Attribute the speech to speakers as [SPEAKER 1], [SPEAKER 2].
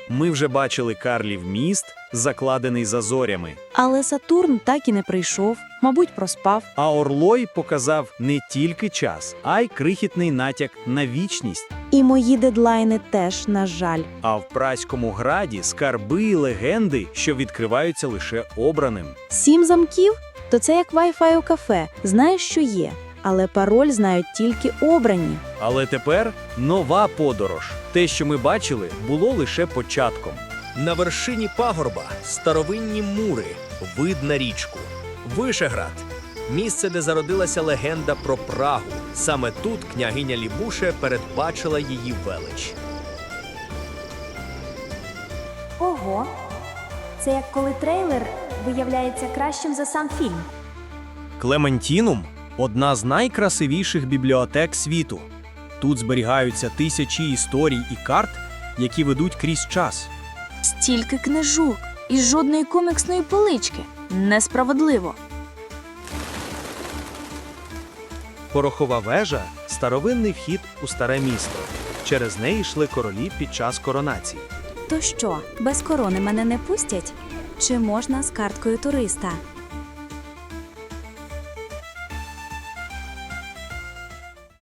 [SPEAKER 1] Ми вже бачили Карлів міст, закладений за зорями.
[SPEAKER 2] Але Сатурн так і не прийшов, мабуть, проспав.
[SPEAKER 1] А Орлой показав не тільки час, а й крихітний натяк на вічність.
[SPEAKER 2] І мої дедлайни теж, на жаль.
[SPEAKER 1] А в Праському граді скарби і легенди, що відкриваються лише обраним.
[SPEAKER 2] 7 замків? То це як Wi-Fi у кафе. Знаєш, що є, але пароль знають тільки обрані.
[SPEAKER 1] Але тепер нова подорож. Те, що ми бачили, було лише початком.
[SPEAKER 3] На вершині пагорба старовинні мури, вид на річку. Вишеград – місце, де зародилася легенда про Прагу. Саме тут княгиня Лібуше передбачила її велич.
[SPEAKER 4] Ого! Це як коли трейлер виявляється кращим за сам фільм.
[SPEAKER 1] Клементінум – одна з найкрасивіших бібліотек світу. Тут зберігаються тисячі історій і карт, які ведуть крізь час.
[SPEAKER 2] Стільки книжок і жодної коміксної полички. Несправедливо.
[SPEAKER 1] Порохова вежа – старовинний вхід у старе місто. Через неї йшли королі під час коронації.
[SPEAKER 2] То що, без корони мене не пустять? Чи можна з карткою туриста?